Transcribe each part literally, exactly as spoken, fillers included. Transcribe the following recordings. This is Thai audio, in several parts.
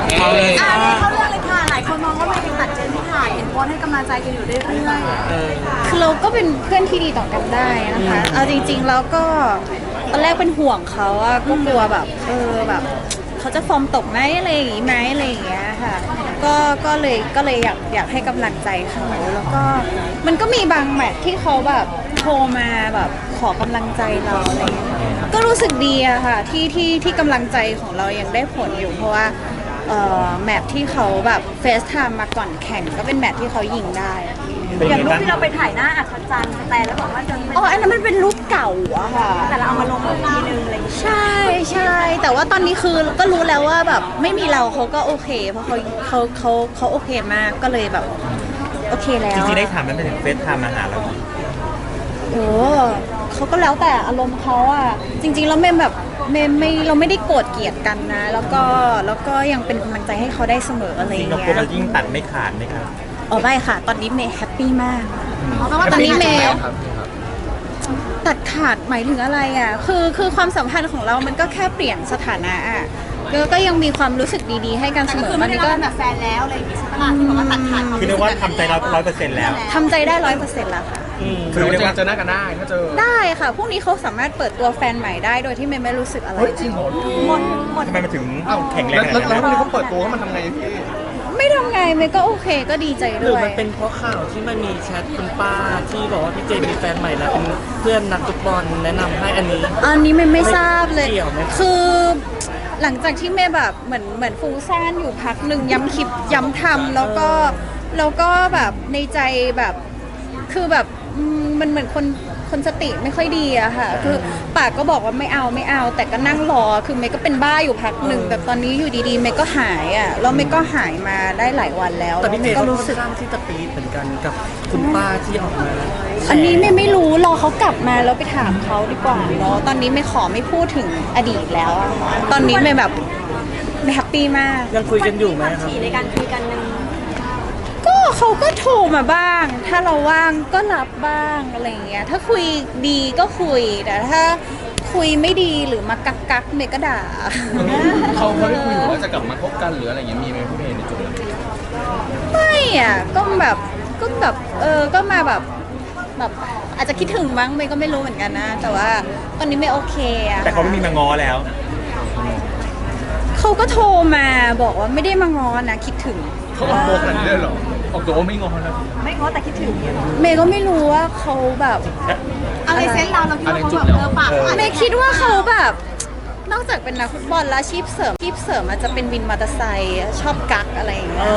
เอาเลยอ่านี่เขาเรื่องเลยค่ะหลายคนมองว่ามันยังตัดเจนที่ถ่ายเห็นโพสต์ให้กำลังใจกันอยู่เรื่อยๆคือเราก็เป็นเพื่อนที่ดีต่อกันได้นะคะเอาจริงๆแล้วก็ตอนแรกเป็นห่วงเขาอะก็กลัวแบบเออแบบเขาจะฟอร์มตกไหมอะไรอย่างงี้ไหมอะไรอย่างเงี้ยค่ะก็ก็เลยก็เลยอยากอยากให้กำลังใจเขาแล้วก็มันก็มีบางแมทที่เขาแบบโทรมาแบบขอกำลังใจเราอะไรอย่างเงี้ยก็รู้สึกดีอะค่ะที่ที่ที่กำลังใจของเรายังได้ผลอยู่เพราะว่าเอ่อแมทที่เขาแบบเฟซไทม์มาก่อนแข่งก็เป็นแมทที่เขายิงได้อย่างรูปที่เราไปถ่ายหน้าอัศจรรย์แต่แล้วบอกว่าจะอ๋ออันนั้นมันเป็นรูปเก่าอะค่ะแต่เราเอามาลงอีกทีนึงอะไรอย่างเงี้ยใช่ใช่แต่ว่าตอนนี้คือก็รู้แล้วว่าแบบไม่มีเราเขาก็โอเค เพราะเขาเขาเขาเขาโอเคมากก็เลยแบบโอเคแล้วจริงๆได้ถามมันไปถึงเฟซไทม์มาหาเราโอ้เขาก็แล้วแต่อารมณ์เขาอะจริงๆแล้วเมย์แบบเมย์ไม่เราไม่ได้โกรธเกลียดกันนะ แล้วก็แล้วก็ยังเป็นกำลังใจให้เขาได้เสมออะไรอจริงย่างเราเงี้กลัวย เรายิ่งตัดไม่ขาดไหมครับอ๋อไม่ค่ะ ตอนนี้เมย์แฮปปี้มากเพราะว่าตอนนี้เมย์ครับตัดขาดหมายถึงอะไรอ่ะ คือคือความสัมพันธ์ของเรามันก็แค่เปลี่ยนสถานะอ่ะก็ก็ยังมีความรู้สึกดีๆให้กันเสมอคือตอไม่นได้นี้รัก็กแบบแฟนแล้วอะไรอย่างงี้ใช่ไหมล่ะที่บอกว่าตัดขาดความคือเรียกว่าทำใจเราร้อยเปอร์เซ็นต์แล้วทำใจได้ร้อยเปอร์เซ็นต์แล้วค่ะคือเรียกว่าเจอหน้ากันได้ถ้าเจอได้ค่ะ พรุ่งนี้เขาสามารถเปิดตัวแฟนใหม่ได้โดยที่เมย์ไม่รู้สึกอะไรเฮ้ยจริงเหรอหมดหมดทำไมมันถึงเอ้าแข็งแรงแล้วขแล้วนาดแล้วนั้นวันนี้เขาเปิดตัวเขามันทำไงพี่ไม่ทำไงเมย์ก็โอเคก็ดีใจหรือด้วยมันเป็นเพราะข่าวที่มันมีแชทคุณป้าที่บอกว่าพี่เจมีแฟนใหม่แล้วเป็นเพื่อนนักฟุตบอลแนะนำให้อันนี้อันนี้เมย์ไม่ทราบเลยเกี่ยวไหมคือหลังจากที่เมย์แบบเหมือนเหมือนฟุ้งซ่านอยู่พักหนึ่งย้ำคิดย้ำทำแล้วก็แล้วก็แบบในใจแบบคือแบบอืมมันเหมือนคนคนสติไม่ค่อยดีอะค่ะคือปากก็บอกว่าไม่เอาไม่เอา แต่ก็นั่งรอคือเมย์ก็เป็นบ้าอยู่พักหนึ่งแต่ตอนนี้อยู่ดีๆเมย์ก็หายอะแล้วเมย์ก็หายมาได้หลายวันแล้วแต่พี่เมย์ก็ก็รู้รู้สึสึกกข้างที่จะปีดเหมือนกันกับคุณป้าที่ออกมาอันนี้เมย์ไม่รู้รอเขากลับมาแล้วไปถามเขาดีกว่าเนาะตอนนี้เมย์ขอไม่พูดถึงอดีตแล้วอะค่ะตอนนี้เมย์แบบเมย์แฮปปี้มากยังคุยกันอยู่ไหมครับถี่ในการคุยกันนึงก็เขาก็โทรมาบ้าง ถ้าเราว่างก็รับบ้างอะไรอย่างเงี้ย ถ้าคุยดีก็คุย แต่ถ้าคุยไม่ดีหรือมากักกักๆเมย์ก็ด่าเขาเขาได้คุยว่าจะกลับมาคบกันหรืออะไรอย่างเงี้ยมีไหมพี่เมย์ในจุดนั้นไม่อ่ะ ก็แบบก็แบบเออ ก็มาแบบแบบอาจจะคิดถึงมั้งเมย์ก็ไม่รู้เหมือนกันนะ แต่ว่าตอนนี้เมย์โอเคอะแต่เขาไม่มีมาง้อแล้วเขาก็โทรมาบอกว่าไม่ได้มาง้อนะคิดถึงเขาออกตัวขนาดนี้เลยเหรอออกตัวว่าไม่งอนแล้วไม่ง้อแต่คิดถึงเนี่ยหรอเมย์ก็ไม่รู้ว่าเขาแบบอะไรเซนส์เราเราคิดว่าเขาแบบเออปากเขาอาจเมจะย์คิดว่าเขาแบบ นอกจากเป็นนักฟุตบอลแล้วอาชีพเสริมอาชีพเสริมอาจจะเป็นวินมอเตอร์ไซค์ชอบกักอะไรอย่างเงี้ย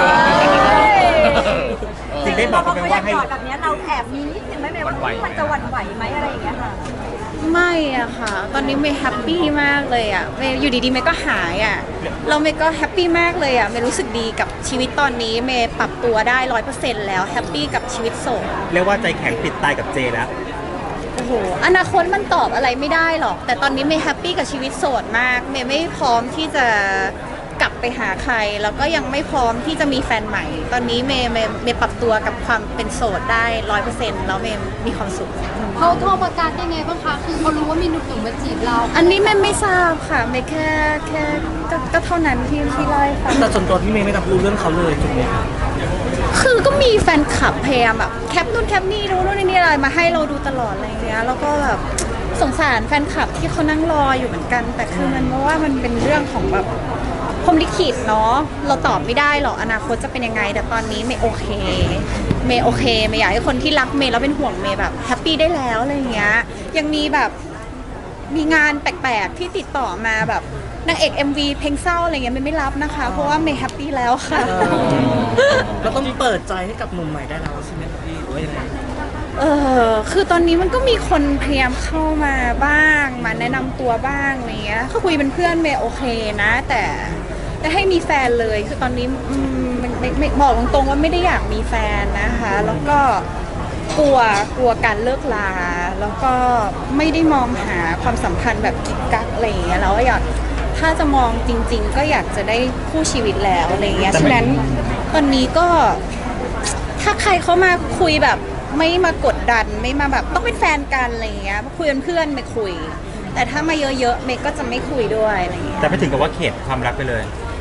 จริงได้บอกเขาไหมว่าให้จอดแบบนี้เราแอบมีนิดนึงไหมแม่ว่ามันจะหวั่นไหวไหมอะไรอย่างเงี้ยค่ะไม่อะค่ะ ตอนนี้เมย์แฮปปี้มากเลยอะเมย์อยู่ดีๆเมย์ก็หายอะเราเมย์ก็แฮปปี้มากเลยอะเมย์รู้สึกดีกับชีวิตตอนนี้เมย์ปรับตัวได้ร้อยเปอร์เซ็นต์แล้วแฮปปี้กับชีวิตโสดเรียกว่าใจแข็งติดตายกับเจแล้วโอ้โหอนาคตมันตอบอะไรไม่ได้หรอก แต่ตอนนี้เมย์แฮปปี้กับชีวิตโสดมากเมย์ไม่พร้อมที่จะกลับไปหาใคร แล้วก็ยังไม่พร้อมที่จะมีแฟนใหม่ ตอนนี้เมย์เมย์เมย์ปรับตัวกับความเป็นโสดได้ร้อยเปอร์เซ็นต์แล้วเมย์มีความสุขเขาโทรประกาศยังไงบ้างคะ คือเขารู้ว่ามีหนุ่มๆมาจีบเราอันนี้เมย์ไม่ทราบค่ะเมย์แค่แค่ก็ก็เท่านั้นที่ที่เล่าให้ฟังแต่ส่วนตัวพี่เมย์ไม่รับรู้เรื่องเขาเลยถูกไหมครับคือก็มีแฟนคลับพยายามแบบแคปนู่นแคปนี่ดูนู่นนี่อะไรมาให้เราดูตลอดอะไรอย่างเงี้ยแล้วก็แบบสงสารแฟนคลับที่เขานั่งรออยู่เหมือนกัน แต่คือมันเพราะว่ามันเป็นเรื่องของแบบพรหมลิขิตเนาะเราตอบไม่ได้หรอกอนาคตจะเป็นยังไง แต่ตอนนี้เมย์โอเคเมย์โอเคเมย์อยากให้คนที่รักเมย์แล้วเป็นห่วงเมย์แบบแฮปปี้ได้แล้วอะไรอย่างเงี้ยยังมีแบบมีงานแปลกๆที่ติดต่อมาแบบนางเอก เอ็ม วี เพลงเศร้าอะไรเงี้ยเมย์ไม่รับนะคะ เพราะว่าเมย์แฮปปี้แล้วค่ะเราต้องเปิดใจให้กับหนุ่มใหม่ได้แล้วใช่ไหมครับพี่หรือว่ายังไงเออคือตอนนี้มันก็มีคนพยายามเข้ามาบ้างมาแนะนำตัวบ้างอะไรเงี้ยเขาคุยเป็นเพื่อนเมย์โอเคนะ แต่แต่ให้มีแฟนเลยคือตอนนี้อืมไม่ไม่ไม่บอกตรงๆว่าไม่ได้อยากมีแฟนนะคะแล้วก็กลัวกลัวการเลิกลาแล้วก็ไม่ได้มองหาความสัมพันธ์แบบกิ๊กกักอะไรอย่างเงี้ยแล้วอยากถ้าจะมองจริง ๆ ก็อยากจะได้คู่ชีวิตแล้วอะไรเงี้ยฉะนั้นตอนนี้ก็ถ้าใครเขามาคุยแบบไม่มากดดันไม่มาแบบต้องเป็นแฟนกันอะไรเงี้ยคุยเป็นเพื่อนไม่คุย แต่ถ้ามาเยอะๆเมย์ก็จะไม่คุยด้วยอะไรเงี้ยแต่ไม่ถึงกับว่าเข็ดความรักไปเลย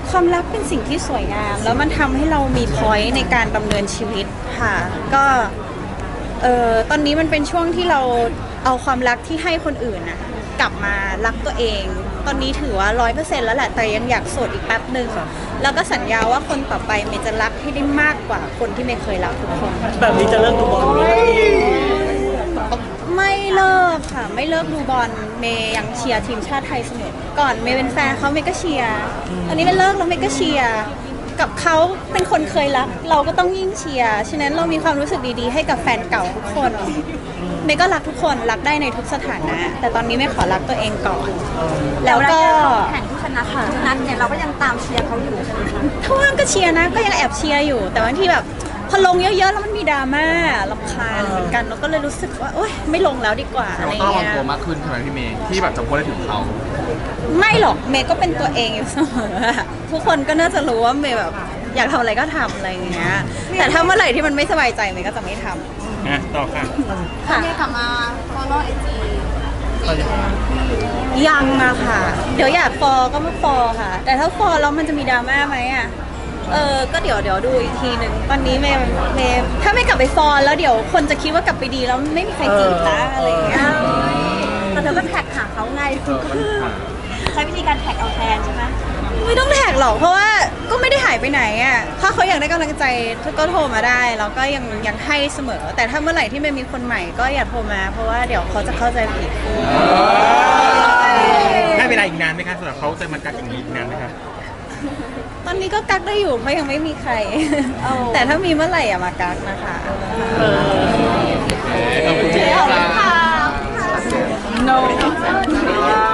ความรักเป็นสิ่งที่สวยงาม แล้วมันทำให้เรามีพอยต์ในการดำเนินชีวิตค่ะ ก็เออตอนนี้มันเป็นช่วงที่เราเอาความรักที่ให้คนอื่นน่ะกลับมารักตัวเอง ตอนนี้ถือว่าร้อยเปอร์เซ็นต์แล้วแหละแต่ยังอยากโสดอีกแป๊บหนึ่งแล้วก็สัญญาว่าคนต่อไปเมย์จะรักให้ได้มากกว่าคนที่เมย์เคยรักทุกคนแบบนี้จะเลิกดูบอลไหมไม่เลิกค่ะ ไม่เลิกดูบอลเมย์ยังเชียร์ทีมชาติไทยเสมอก่อนเมย์เป็นแฟนเขาเมย์ก็เชียร์ตอนนี้เมย์เลิกแล้วเมย์ก็เชียร์กับเขาเป็นคนเคยรัก เราก็ต้องยิ่งเชียร์ฉะนั้นเรามีความรู้สึกดีๆให้กับแฟนเก่าทุกคนเมย์ก็รักทุกคนรักได้ในทุกสถานะ แต่ตอนนี้เมย์ขอรักตัวเองก่อน แล้วก็แข่งที่ชนะทุกนัดเนี่ยเราก็ยังตามเชียร์เขาอยู่ใช่ไหมคะถ้าว่างก็เชียร์นะก็ยังแอบเชียร์อยู่ แต่บางทีแบบพอลงเยอะๆแล้วมันมีดราม่ารำคาญเหมือนกันเราก็เลยรู้สึกว่าโอ๊ยไม่ลงแล้วดีกว่าอะไรเราต้องระวังเงี้ยตัวมากขึ้นใช่ไหมพี่เมย์ที่แบบจะโพสได้ถึงเขาไม่หรอกเมย์ก็เป็นตัวเองอยู่เสมออะทุกคนก็น่าจะรู้ว่าเมย์แบบอยากทำอะไรก็ทำอะไรอย่างเงี้ยแต่ถ้าเมื่อไหร่ที่มันไม่สบายใจเมย์ก็จะไม่ทำอ่ะต่อค่ะค่ะเนี่ยกลับมา follow ไอจียังอะค่ะ เดี๋ยวอยากฟอลก็มาฟอลค่ะ แต่ถ้าฟอลแล้วมันจะมีดราม่าไหมอะเออก็เดี๋ยวเดี๋ยวดูอีกทีหนึ่งตอนนี้เมย์เมย์ถ้าไม่กลับไปฟอลแล้วเดี๋ยวคนจะคิดว่ากลับไปดีแล้วไม่มีใครจีบละอะไรอย่างเงี้ยแต่เธอก็แท็กหาเขาไงเออมันอ่ะใช้วิธีการแท็กเอาแทนใช่ไหมไม่ต้องแท็กหรอกเพราะว่าก็ไม่ได้หายไปไหนอ่ะถ้าเขาอยากได้กำลังใจก็โทรมาได้แล้วก็ยังยังให้เสมอ แต่ถ้าเมื่อไหร่ที่มันมีคนใหม่ก็อย่าโทรมา เพราะว่าเดี๋ยวเขาจะเข้าใจผิดได้เวลาอีกนานไหมคะสำหรับเขาจะมากักอย่างนี้อีกนานไหมคะตอนนี้ก็กักได้อยู่เพราะยังไม่มีใคร แต่ถ้ามีเมื่อไหร่อย่ามากักนะคะขอบคุณค่ะ No